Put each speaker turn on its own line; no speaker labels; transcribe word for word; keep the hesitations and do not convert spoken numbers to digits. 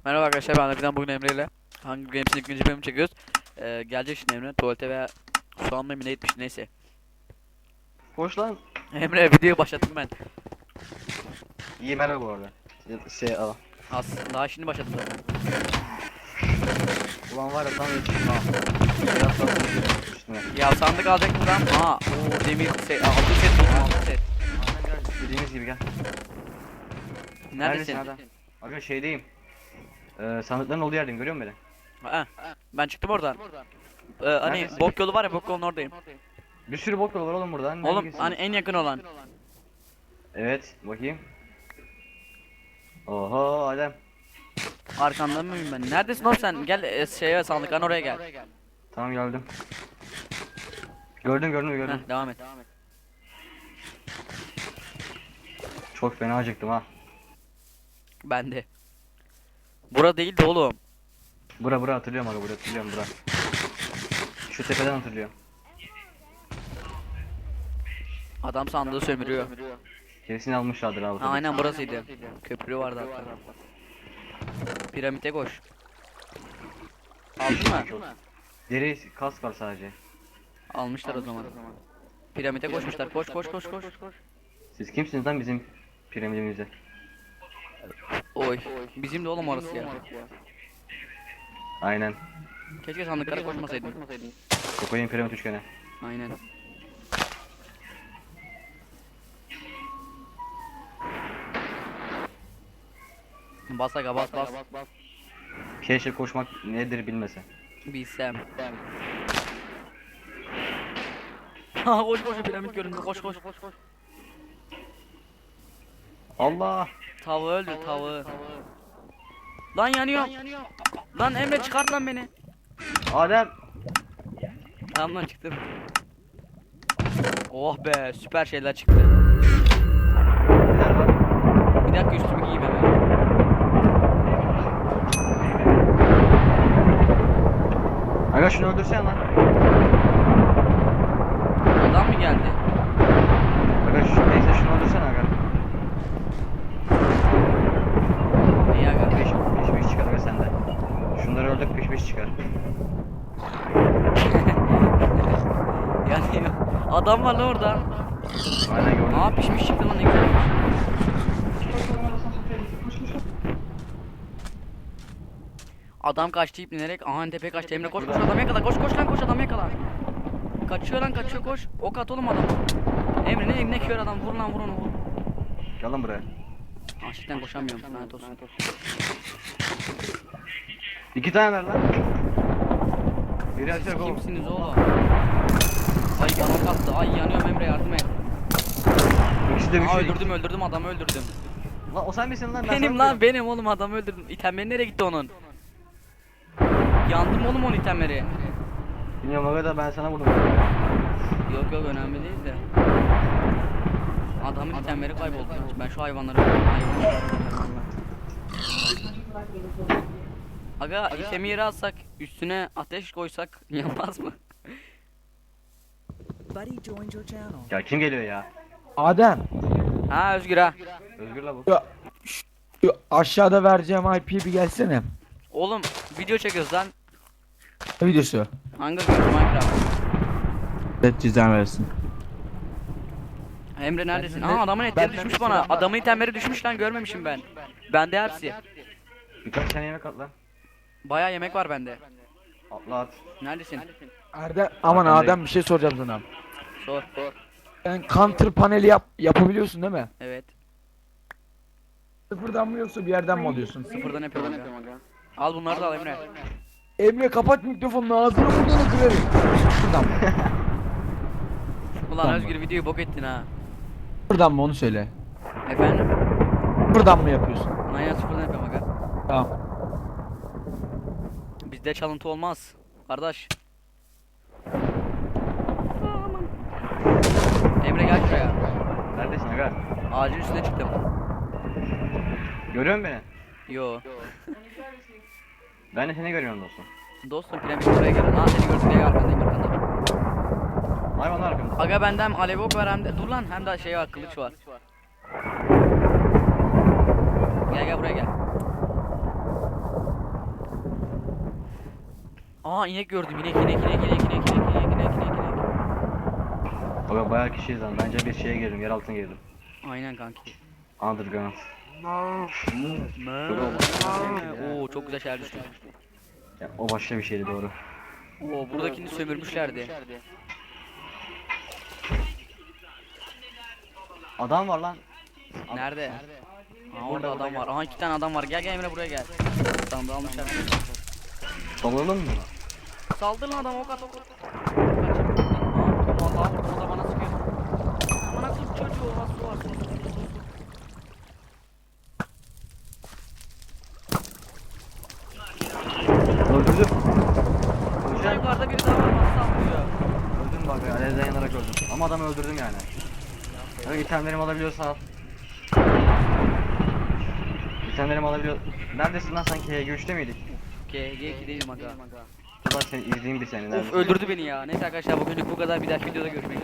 Merhaba arkadaşlar, ben Akıdan. Bugün Emre ile Hunger Games'in ikinci bölümü çekiyoruz. Ee, gelecek şimdi Emre tuvalete veya su almaya mı ne etmiş, neyse.
Hoş lan.
Emre, videoyu başlattım ben.
İyi merhaba bu arada. Şey al.
Aslında daha şimdi başladım zaten.
Ulan var ya tam yetiştim ha. Biraz sonra üstüne.
Ya sandık alacak buradan. Aa, o demir set, altın set buldum, altın set.
Aynen gel. Dediğimiz gibi gel.
Neredesin?
Nereden? Aga şeydeyim. Ee, sandıkların olduğu yerdeyim, görüyor musun beni?
Ha, ben çıktım oradan. Ee, hani
Neredesin?
bok yolu var ya, bok yolunun oradayım.
Bir sürü bok yolu var oğlum buradan.
Oğlum
Hangisi?
hani en yakın olan.
Evet, bakayım. Oho Adem.
Arkanda mıyım ben? Neredesin oğlum sen? Gel e, şeye, sandıkların oraya gel.
Tamam geldim. Gördüm gördüm gördüm.
Heh, devam et.
Çok fena acıktım ha.
Ben de. Bura değil de oğlum.
Bura bura hatırlıyorum aga, bura hatırlıyorum bura. Şu tepeden hatırlıyorum.
Adam sandığı sömürüyor.
Kesin almışlardır abi.
Ha, aynen burasıydı. Köprü vardı hatta. Piramite koş. Aldın mı?
Deri kask var sadece.
Almışlar o zaman. Piramite koşmuşlar. Koş koş koş koş.
Siz kimsiniz lan bizim piramidimizde?
Oy. Bizim de oğlum orası ya.
Aynen.
Keşke sandıklara koşmasaydın.
Kokoyun piramit üçgeni.
Aynen. Bas aga, bas bas.
Keşke koşmak nedir bilmese.
Bilsem. Ha, koş koş, piramit göründü, koş koş.
Allah!
Tavuğu öldür, tavuğu. Lan yanıyor. Lan Emre, çıkart lan beni.
Adem!
Tamam lan, çıktım. Oh be, süper şeyler çıktı.
Neler var?
Bir dakika, üstümü giyeyim hemen.
Aga şunu öldürsen lan.
Adam mı geldi?
Aga şu, neyse şunu öldürsen aga.
İyi aga.
Piş piş piş çıkar aga sende. Şunları öldür, piş piş çıkar.
Yani adam var lan orada.
Aynen gördüm.
Aa, pişmiş çıktı lan, ne güzelmiş. Adam kaçtı iplinerek. Aha, tepe kaçtı. Emre koş koş, adam yakala, koş koş lan, koş, adam yakala. Kaçıyor lan, kaçıyor, koş. Ok at oğlum adam. Emre ne ne kör adam, vur lan, vur onu, vur.
Gel lan buraya.
Aşktan koşamıyorum, lanet olsun.
İki tane ver lan. Biri
Siz
açacak oğlum.
kimsiniz oğlum? Ay bana kattı. Ay yanıyorum Emre, yardım et.
İkisi de bir
Aa,
şey.
öldürdüm öldürdüm adamı, öldürdüm.
Lan o sen misin lan? Ben
Benim
sana
lan, benim oğlum, adamı öldürdüm. İtemleri nereye gitti onun? Yandım oğlum onun itemleri.
Bilmiyorum aga da ben sana vurdum.
Yok yok, önemli değil de. Adamın itemleri kayboldu. Ben şu hayvanları hayvanları- Aga, itemi yere atsak, üstüne ateş koysak yanmaz mı?
Buddy joined your channel.
Ya kim geliyor ya?
Adem,
Ha, Özgür ha.
Özgür la bu.
şu, şu aşağıda vereceğim I P'ye bir gelsene.
Oğlum video çekiyoruz lan.
Ne videosu?
Hunger Games Minecraft.
Evet, cezan versin.
Emre neredesin?
Ben de-
Aa, adamın etleri
ben de
düşmüş
mesela
bana.
bak-
Adamın itemleri düşmüş lan, görmemişim ben. Bende hepsi.
Birkaç tane yemek at lan.
Bayağı yemek var bende.
Atla at.
Neredesin?
Erdem, aman
Arkandayım.
Adem, bir şey soracağım sana.
Sor.
Sen counter paneli yap yapabiliyorsun değil mi?
Evet.
Sıfırdan mı yoksa bir yerden mi alıyorsun?
Sıfırdan yapıyorum aga. Al bunları da al Emre.
Emre, kapat mikrofonunu, ağzını burnunu kırarım. Sıfırdan mı?
Ulan
Tamam.
Özgür, videoyu bok ettin ha.
Sıfırdan mı, onu söyle.
Efendim?
Sıfırdan mı yapıyorsun?
Aynen, sıfırdan yapıyorum aga.
Tamam.
Bizde çalıntı olmaz. Kardeş. Emre gel şuraya.
Neredesin aga?
Ağacın üstüne çıktım.
Görüyor musun beni?
Yo.
Ben de seni görüyorum dostum.
Dostum, piramit buraya gelin. Ha, seni gördüm diye arkandayım, arkanda.
Hayvan arkamda.
Aga bende hem alev ok var hem de... Dur lan, hem de şey var, kılıç var. Gel gel buraya gel. Aa inek gördüm. İnek inek inek inek inek inek inek inek inek inek.
Aga bayağı kişiyiz lan. Bence bir şeye girdim. Yer altına girdim.
Aynen kanki.
Underground.
Oo çok güzel şeyler düştü.
Ya, o başka bir şeydi doğru.
Oo buradakini sömürmüşlerdi.
Adam var lan.
Nerede? Aa orada adam var. Aha iki tane adam var. Gel gel Emre buraya gel. Tamam da almışlar.
Dalalım mı?
Saldır lan adam ok at ok at. Aa vallahi vurdum o da bana sıkıyor. Bana kız çocuğu var su var su su su su.
Öldürdüm.
Burada
Öldüm.
yukarıda biri daha var bana sallıyor.
Öldüm bak ya. Alevden yanarak öldüm. Ama adamı öldürdüm yani. Öyle itemlerimi alabiliyorsan al. İtemlerimi alabiliyor. Neredesin lan sanki H G üçte miydik?
G G iki değilim aga.
Ulan seni izleyeyim bir seni.
Of
neredesin?
öldürdü beni ya. Neyse arkadaşlar bugünlük bu kadar. Bir dahaki videoda görüşmek üzere.